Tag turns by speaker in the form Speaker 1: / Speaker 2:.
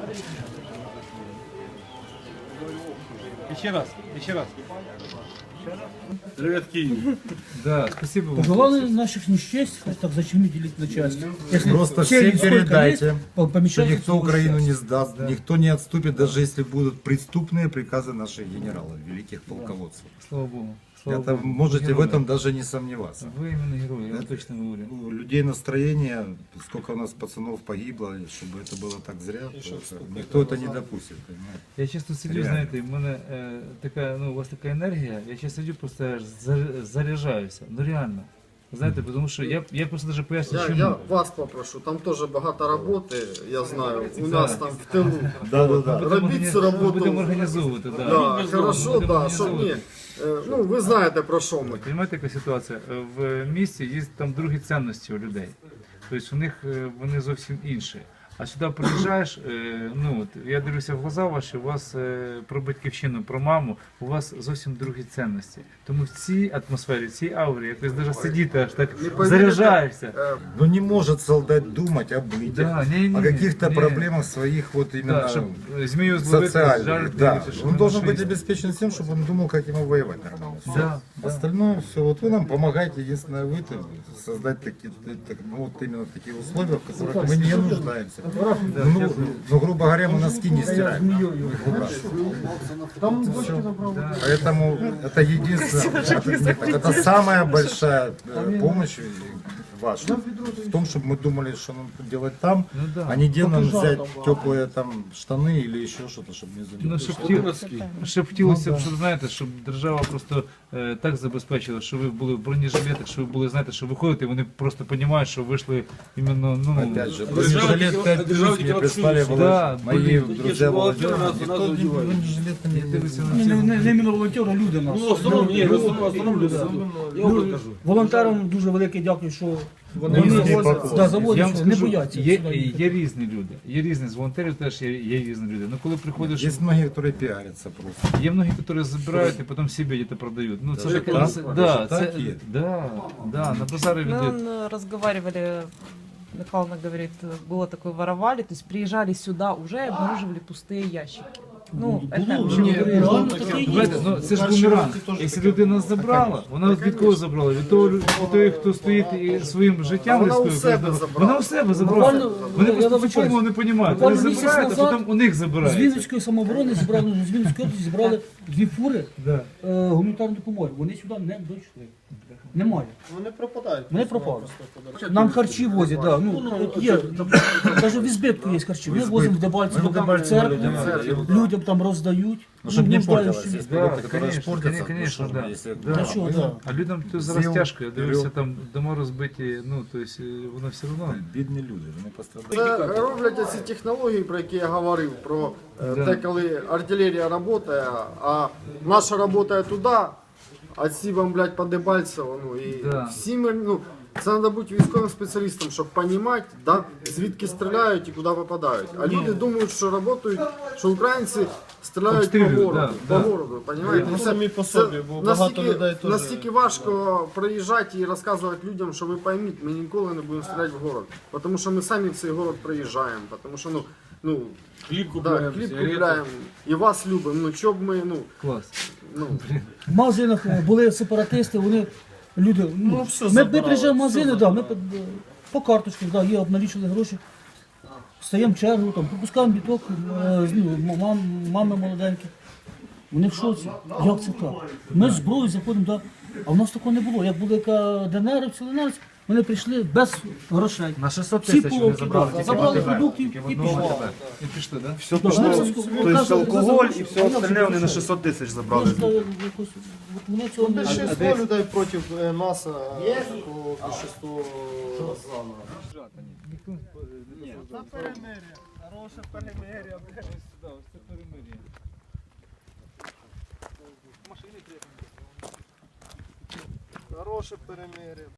Speaker 1: Еще раз, еще раз.
Speaker 2: Привет, Киев.
Speaker 1: Да, спасибо вам.
Speaker 3: Пожелали наших несчастьев, так зачем делить на части? Если
Speaker 4: Просто
Speaker 3: все
Speaker 4: всем
Speaker 3: сколько
Speaker 4: передайте,
Speaker 3: есть,
Speaker 4: что
Speaker 3: помещайте
Speaker 4: никто
Speaker 3: в
Speaker 4: Украину
Speaker 3: часть.
Speaker 4: не сдаст, никто не отступит, даже если будут преступные приказы наших генералов, великих полководцев.
Speaker 1: Слава Богу. Слава
Speaker 4: Это
Speaker 1: Богу.
Speaker 4: можете в
Speaker 1: Герои.
Speaker 4: этом даже не сомневаться.
Speaker 1: Вы именно герой, я вам точно говорю.
Speaker 4: У людей настроение, сколько у нас пацанов погибло, и чтобы это было так зря, то это- никто это не допустит, понимаете?
Speaker 1: Я часто сидю,
Speaker 4: Реально.
Speaker 1: знаєте, в мене така, ну, у вас така енергія, я часто сидю, просто аж заряджаюся. Ну реально. Знаєте, тому що я просто даже поясню, чому.
Speaker 5: Я вас попрошу, там тоже багато роботи, я знаю, у нас там в тилу.
Speaker 4: Да-да-да.
Speaker 5: Робіть цю роботу.
Speaker 1: Будемо організовувати, да.
Speaker 5: Да, хорошо,
Speaker 1: Будемо
Speaker 5: да, щоб ні.
Speaker 1: організовувати.
Speaker 5: Ну, ви знаєте про що ми.
Speaker 1: Понимаєте, яка ситуація? В місті є там другі цінності у людей. Тобто у них вони зовсім інші. А сюди приїжджаєш, ну, от, я дивлюся в глаза ваші, у вас про батьківщину, про маму, у вас зовсім другі цінності. Тому в цій атмосфері, в цій аурі, якось навіть сидіти аж так
Speaker 5: Не повірите,
Speaker 1: заряджаєшся.
Speaker 4: Но не может солдат думать об быте,
Speaker 1: Да, не-не-не,
Speaker 4: о каких-то
Speaker 1: не.
Speaker 4: проблемах своих вот именно
Speaker 1: Да, щоб змію зловити,
Speaker 4: социальных.
Speaker 1: жарити,
Speaker 4: Да.
Speaker 1: щоб
Speaker 4: Он
Speaker 1: не
Speaker 4: должен
Speaker 1: нашли.
Speaker 4: быть обеспечен тем, чтобы он думал, как ему воевать нормально. Всё.
Speaker 1: Да, да.
Speaker 4: Остальное все. Вот вы нам помогаете, единственное, вы создать такие, ну, вот именно такие условия, в которых мы не нуждаемся. Ну, грубо говоря, мы носки не стираем. Их выбрасываем. Поэтому это единственное, это самая большая помощь ваша в том, чтобы мы думали, что нам делать там,
Speaker 1: Ну да.
Speaker 4: а не где нам взять теплые там штаны или еще что-то, чтобы не
Speaker 1: Ну,
Speaker 4: задержать.
Speaker 1: щоб хотілося б, щоб знаєте, щоб держава просто так забезпечила, що ви були в бронежилетах, що ви були, знаєте, що ви ходите, вони просто розуміють, що вийшли іменно, ну,
Speaker 4: Опять же, бронежилет 5 плюс мне прислали
Speaker 1: Да,
Speaker 4: мои
Speaker 1: блин,
Speaker 4: друзья волонтеры. Никто
Speaker 2: одевают.
Speaker 4: бронежилета
Speaker 1: я
Speaker 4: не
Speaker 1: дивлюся на
Speaker 3: Не,
Speaker 1: ці.
Speaker 3: не іменно волонтери, люди наші.
Speaker 2: Ну, в основном, не, в основном люди. Я вам покажу.
Speaker 3: Волонтерам дуже велике дякую, що
Speaker 4: Вони
Speaker 3: завозять, да,
Speaker 1: Я
Speaker 3: завозять,
Speaker 1: вам
Speaker 3: що не
Speaker 1: скажу,
Speaker 3: бояться.
Speaker 1: є,
Speaker 3: сюди їхати.
Speaker 1: є різні люди, є різні, з волонтерів теж є різні люди. Ну, коли приходиш,
Speaker 4: Есть многие, которые пиарятся просто.
Speaker 1: є многі, які збирають і потім себе где-то продають. Ну, це
Speaker 4: Даже
Speaker 1: таке,
Speaker 4: так?
Speaker 1: це,
Speaker 4: Даже
Speaker 1: да,
Speaker 4: так
Speaker 1: це,
Speaker 4: є?
Speaker 1: да, на базари
Speaker 6: Мы
Speaker 1: люди.
Speaker 6: разговаривали, Михайловна говорит, было такое, воровали, то есть приезжали сюда уже и обнаруживали пустые ящики. Ну, это уже
Speaker 1: Ні,
Speaker 3: Реально таке є.
Speaker 1: знаєте, ну, це ж бумеранг. Якщо людина забрала, вона від кого забрала? Від того, хто стоїть і своїм життям
Speaker 5: Вона у
Speaker 1: рискує,
Speaker 5: себе
Speaker 1: правда?
Speaker 5: забрала.
Speaker 1: Вона у себе забрала.
Speaker 3: Буквально,
Speaker 1: Вони
Speaker 3: я
Speaker 1: просто цю
Speaker 3: вибачаюсь,
Speaker 1: формулу не розуміють. Вони
Speaker 3: буквально місяць
Speaker 1: забирають, а
Speaker 3: назад
Speaker 1: потім у них
Speaker 3: з
Speaker 1: забирають.
Speaker 3: Вінницької самооборони зібрали, ну, з Вінницької області зібрали 2 фури
Speaker 1: Да.
Speaker 3: гуманітарної допомоги. Вони сюди не дійшли. Немає.
Speaker 5: Вони пропадають.
Speaker 3: Вони пропали. Нам харчі возять, да. Ну, от є, навіть в Ізбитку є харчі. Ми возимо в Дебальцево, в церкву, людям там роздають.
Speaker 4: Ну, чтобы не
Speaker 3: нуждаючим.
Speaker 4: портилось. Есть
Speaker 1: Да,
Speaker 4: продукты, которые
Speaker 1: конечно,
Speaker 4: портятся.
Speaker 1: конечно,
Speaker 4: ну,
Speaker 1: да.
Speaker 4: чтобы если-
Speaker 1: Да.
Speaker 3: Та що, да.
Speaker 1: А людям то зараз
Speaker 4: З'їв,
Speaker 1: тяжко, я дивлюся,
Speaker 4: беру.
Speaker 1: там дома розбиті, ну, то есть, воно все одно.
Speaker 4: Бідні люди, вони пострадають.
Speaker 5: Це роблять ці технології, про які я говорив, про те, коли артилерія працює, а наша працює туди, а ці бомблять по Дебальцево. Ну, і
Speaker 1: Да.
Speaker 5: всі ми, ну, це треба бути військовим спеціалістом, щоб розуміти, да, звідки стріляють і куди попадають. А люди думають, що працюють, що українці стріляють по
Speaker 1: Обстрілюють,
Speaker 5: городу,
Speaker 1: да,
Speaker 5: по
Speaker 1: да.
Speaker 5: городу, розумієте?
Speaker 2: Ну,
Speaker 5: Це-
Speaker 2: самі по
Speaker 5: це
Speaker 2: собі, бо багато людей теж-
Speaker 5: настільки важко приїжджати і розказувати людям, що ви пойміть, ми ніколи не будемо стріляти в город. Тому що ми самі в цей город приїжджаємо. Тому що, ну,
Speaker 2: Хліб
Speaker 5: да,
Speaker 2: купуємо,
Speaker 5: хліб
Speaker 2: сигарети.
Speaker 5: купляємо і вас любимо. Ну, що б ми,
Speaker 1: Клас.
Speaker 3: В магазинах були сепаратисти, вони люди. Ну,
Speaker 2: все
Speaker 3: ми
Speaker 2: забрали,
Speaker 3: приїжджаємо в
Speaker 2: все
Speaker 3: магазини, да, ми по карточках, да, є, обналічили гроші. Стаємо в чергу, там, пропускаємо біток, мами молоденькі. Вони в шоці. Як це так? Ми з зброєю заходимо, да. А в нас такого не було. Як були ДНРівці, ЛНРівці, вони прийшли без грошей.
Speaker 1: На 600
Speaker 3: Всі
Speaker 1: тисяч вони
Speaker 3: полки,
Speaker 1: забрали.
Speaker 3: да,
Speaker 1: тільки
Speaker 3: забрали
Speaker 1: в АТБ.
Speaker 3: продуктів
Speaker 1: Тільки в
Speaker 3: і
Speaker 1: одному
Speaker 3: пішли.
Speaker 1: АТБ. І пішли, так?
Speaker 7: Все пошло, то есть алкоголь и все остальное вони на 600 тисяч забрали.
Speaker 3: Вони цього не
Speaker 5: більшість людей проти нас, такого більшість Розана.
Speaker 1: Хороше перемир'я, блядь. Ось це перемир'я.
Speaker 5: Хороше перемир'я.